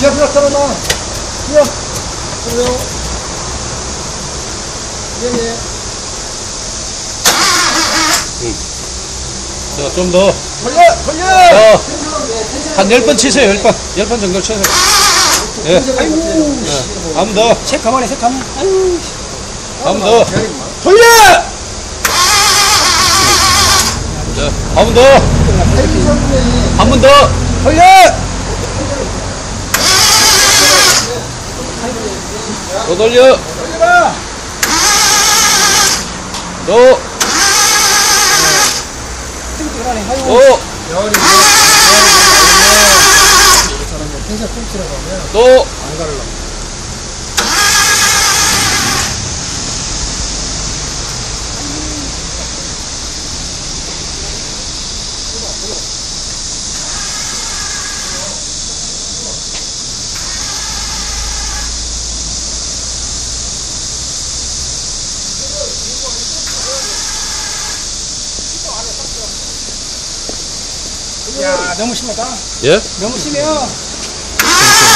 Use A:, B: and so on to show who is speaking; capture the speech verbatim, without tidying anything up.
A: 시합 나타나. 시합. 그래요. 예, 예.
B: 응. 자, 좀 더.
A: 걸려! 걸려!
B: 자, 한 열 번 치세요, 열 번. 열 번 정도 치세요. 예.
A: 아이고.
B: 예. 한 번 더.
A: 책 가만히 책 가만히. 아이고.
B: 한 번 더.
A: 돌려!
B: 자, 한 번 더. 한 번 더.
A: 돌려!
B: 또 돌려.
A: 돌려라!
B: 또.
A: 뜨끈뜨끈하네. 아이고.
B: 또.
A: 열이 사람이 텐션 꿈치라고 하면
B: 또.
A: 안 가르려고. 야, 너무 심하다.
B: 예?
A: 너무 심해요.